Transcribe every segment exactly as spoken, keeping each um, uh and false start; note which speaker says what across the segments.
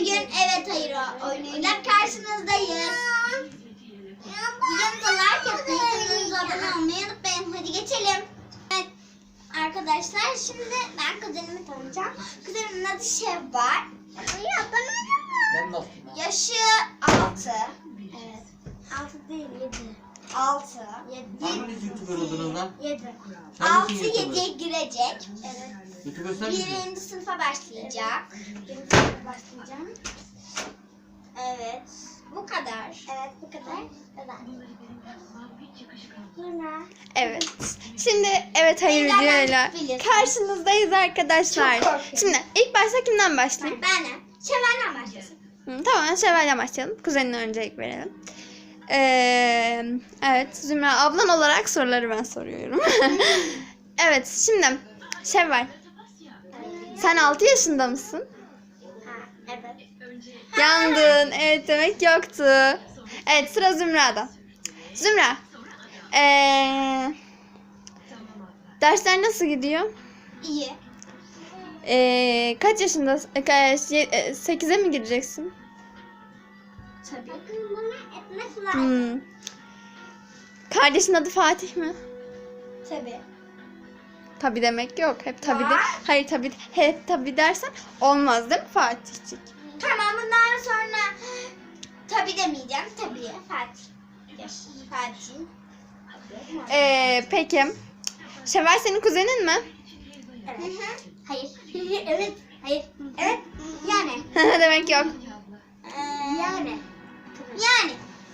Speaker 1: Bugün evet hayır oyunuyla karşınızdayız. Videomuza like atmayı, kanalımıza abone olmayı unutmayın. Hadi geçelim. Evet arkadaşlar, şimdi ben kuzenimi tanıyacağım. Kuzenimin adı Şevval. Yaşı altı. Evet. altı değil, yedi. altı.
Speaker 2: Hanginiz YouTuber oldunuz lan?
Speaker 1: yedi.
Speaker 2: Hangisi
Speaker 1: altı
Speaker 2: YouTuber?
Speaker 1: yediye girecek. Evet.
Speaker 2: YouTuber sen misin?
Speaker 1: Birinci sınıfa başlayacak. Birinci sınıfa başlayacağım. Evet. Bu kadar. Evet, bu kadar. kadar. Sonra.
Speaker 3: Evet. Şimdi evet hayır
Speaker 1: Ben zaten
Speaker 3: videoyla
Speaker 1: biliyorsun.
Speaker 3: karşınızdayız arkadaşlar.
Speaker 1: Çok korkuyorum.
Speaker 3: Şimdi ilk başta kimden başlayayım?
Speaker 1: Benim. Şevval'den başlasın.
Speaker 3: Hı, tamam Şevval'den başlayalım. Kuzenine öncelik verelim. Ee, evet Zümra ablan olarak soruları ben soruyorum. Evet şimdi Şevval, sen altı yaşında mısın?
Speaker 1: Ha, evet.
Speaker 3: Yandın. Evet demek yoktu. Evet sıra Zümra'da. Zümra. Ee, dersler nasıl gidiyor?
Speaker 1: İyi.
Speaker 3: Ee, kaç yaşındasın? Ee, sekize mi gireceksin?
Speaker 1: Tabii. Bana etmez lazım.
Speaker 3: Hmm. Kardeşin adı Fatih mi?
Speaker 1: Tabii.
Speaker 3: Tabii demek yok. Hep tabii de.
Speaker 1: Var.
Speaker 3: Hayır tabii. Hep tabii dersen olmaz değil mi Fatihcik?
Speaker 1: Tamam, bundan sonra tabii demeyeceğim. Tabii. Fatih. Yaş. Fatih.
Speaker 3: Ee, peki. Şevval senin kuzenin mi?
Speaker 1: Evet. Hı hı. Hayır. Evet. Hayır. Evet. Yani.
Speaker 3: Demek yok.
Speaker 1: Ee, yani. Yani.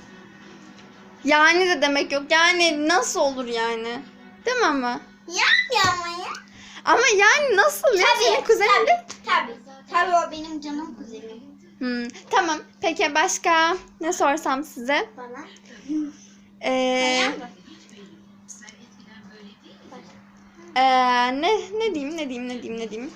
Speaker 3: Yani de demek yok. Yani nasıl olur yani? Değil mi ama?
Speaker 1: Yani ama ya.
Speaker 3: Ama yani nasıl ya? Senin kuzenin de.
Speaker 1: Tabii. Tabii o benim canım kuzenim.
Speaker 3: Hmm, tamam. Peki başka ne sorsam size?
Speaker 1: Bana.
Speaker 3: Ee,
Speaker 1: Kayan mı?
Speaker 3: ee, ne ne diyeyim ne diyeyim ne diyeyim ne diyeyim?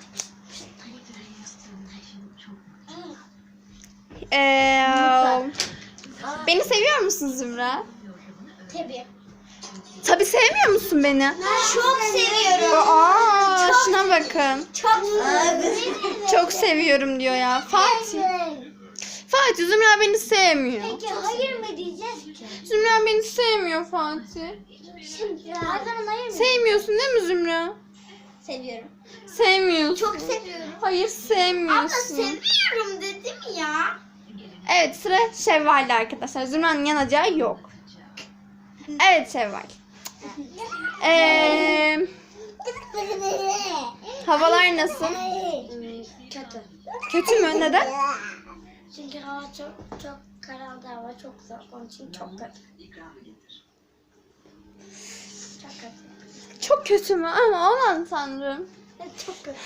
Speaker 3: Ee, beni seviyor musun Zümra?
Speaker 1: Tabii.
Speaker 3: Tabii sevmiyor musun beni?
Speaker 1: Çok seviyorum.
Speaker 3: Aa, şuna bakın.
Speaker 1: Çok seviyorum.
Speaker 3: Çok seviyorum diyor ya. Fatih. Fatih Zümra beni sevmiyor.
Speaker 1: Peki hayır mı diyeceğiz ki?
Speaker 3: Zümra beni sevmiyor Fatih.
Speaker 1: Şimdi her zaman hayır mı?
Speaker 3: Sevmiyorsun değil mi Zümra?
Speaker 1: Seviyorum.
Speaker 3: Sevmiyorsun.
Speaker 1: Çok seviyorum.
Speaker 3: Hayır
Speaker 1: Abla
Speaker 3: sevmiyorsun.
Speaker 1: seviyorum dedim ya.
Speaker 3: Evet sıra Şevval'de arkadaşlar. Zümra'nın yanacağı yok. Evet Şevval. Ee, havalar nasıl?
Speaker 1: Kötü.
Speaker 3: Kötü mü? Neden?
Speaker 1: Çünkü hava çok çok karardı, hava çok soğuk, onun için çok kötü. Çok kötü.
Speaker 3: Çok kötü mü? Ama aman tanrım.
Speaker 1: Evet, çok kötü.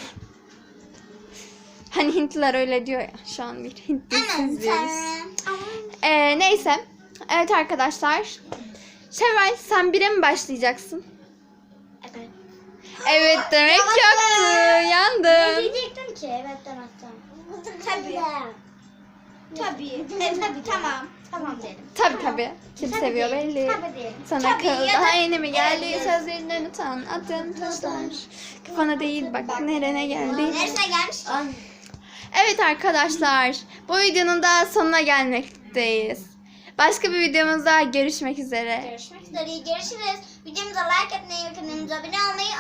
Speaker 3: Hani Hintliler öyle diyor ya. Şu an bir Hint dizisi izliyoruz.
Speaker 1: Aman.
Speaker 3: Ee, neyse. Evet arkadaşlar. Şevval sen bire mi başlayacaksın?
Speaker 1: Evet.
Speaker 3: Evet demek
Speaker 1: Yavaş
Speaker 3: yoktu.
Speaker 1: Ne
Speaker 3: Yandın.
Speaker 1: diyecektim ki? Evet demezsem. Tabii. Tabii. Evet, tabii tamam. Tamam derim.
Speaker 3: Tabii tabii. Kim
Speaker 1: Tabii
Speaker 3: seviyor
Speaker 1: diyelim,
Speaker 3: belli.
Speaker 1: tabii diyelim.
Speaker 3: Sana
Speaker 1: Tabii
Speaker 3: kıl
Speaker 1: ya da-
Speaker 3: daha yeni mi geldi?
Speaker 1: Evet.
Speaker 3: Sözlerinden utan. Adın taşlar. Kafana değil bak nerene geldi.
Speaker 1: Neresine gelmiş?
Speaker 3: Evet arkadaşlar. Bu videonun da sonuna gelmekteyiz. Başka bir videomuzda görüşmek üzere.
Speaker 1: Görüşmek üzere. Görüşürüz. Videomuza like atmayı ve kanalımıza abone olmayı